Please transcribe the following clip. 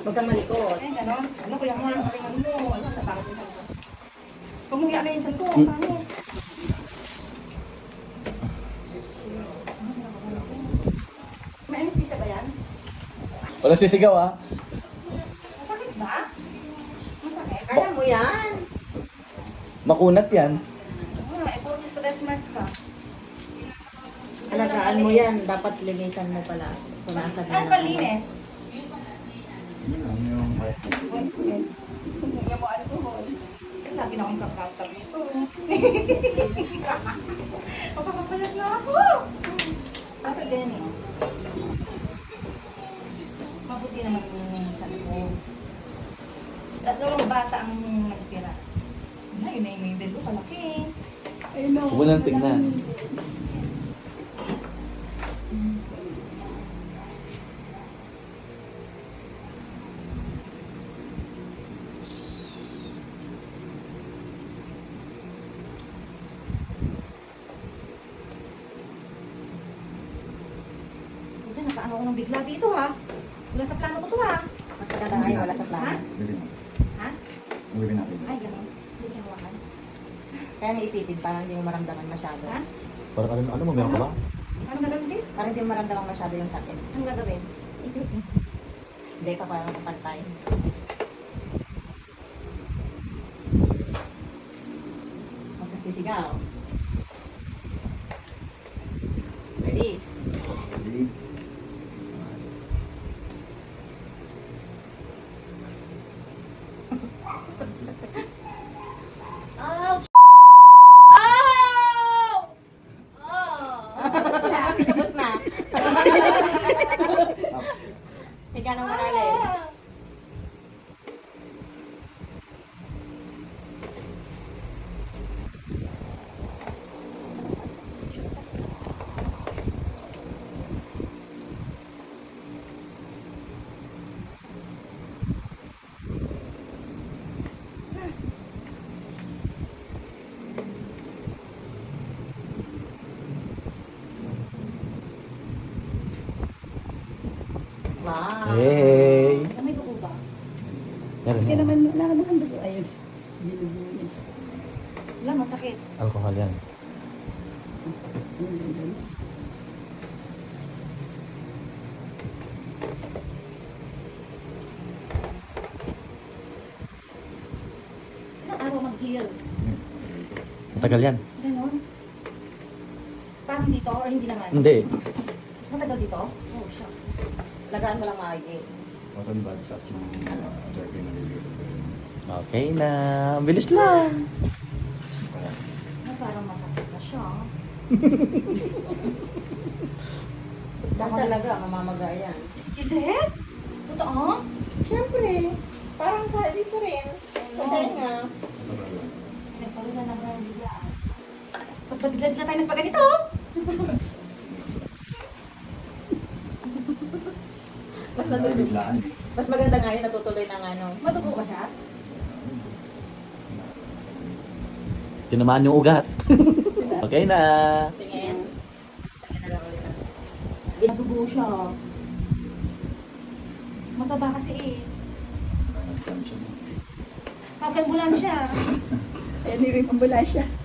Huwag kang malikot. Ay, gano'n. Ano, kuya mo, ano mo? Ano, natakot mo siya. Huwag mong i-ano yung siya ko. Paano? May anesthesia ba yan? Walang sisigaw ah. Masakit ba? Masakit? Kaya mo yan. Makunat yan. Ito, stress mark ka. Alagaan mo yan. Dapat linisan mo pala. Punasan mo Ano na. palinis? Sumuya mo alcohol. Lagi na akong kakautab nito. Papapapalat na ako. Ate Benny. Mabuti naman yung sabi ko. Tatlong bata ang nagtira. Ay, yun na yung bed ko, palaki. Huwag mo nang tignan. Diyan, nakaano ako ng bigla dito ha. Wala sa plano ko to ha. Mas maganda nga yung wala sa plano. Ha? Ay, gano'n. Hindi ko hawakan. Kaya may ititid para hindi mo maramdaman masyado. Ha? Parang ano mo, meron ka ba? Ano gagawin sis? Para hindi mo maramdaman masyado yung sakit. Anong gagawin? Hindi ka parang kapantay. Magsisigaw. Ready? Ouch! Oh! Tapos na. Higa ng malalim. Wow. Hey! May dugo ba? Meron Hindi yan. naman, wala naman dugo. Ayun. Dinugo niya. Wala, masakit. Alcohol yan. Ilang araw mag-heal? Matagal yan. Ganon. Parang dito or hindi naman? Hindi. Mas matagal dito? Oh, shucks. Lagaan mo lang maigi. Okay na. Ang bilis lang. Ay, parang masakit na siya. Yan talaga, mamamaga yan. Is it? Totoo? Siyempre, parang sa dito rin. Sa tenga. Nagpawisan na ng biglaan. Ba't ba bigla tayo nagpaganito? Mas natutuloy. Mas maganda nga yun, natutuloy ng ano. Matugo ba siya? Tinamaan yung ugat. Okay na. Tingin. Tingin na lang ulit. Matugo siya. Mataba kasi eh. Pag-ambulansya. Ayun yung ambulansya.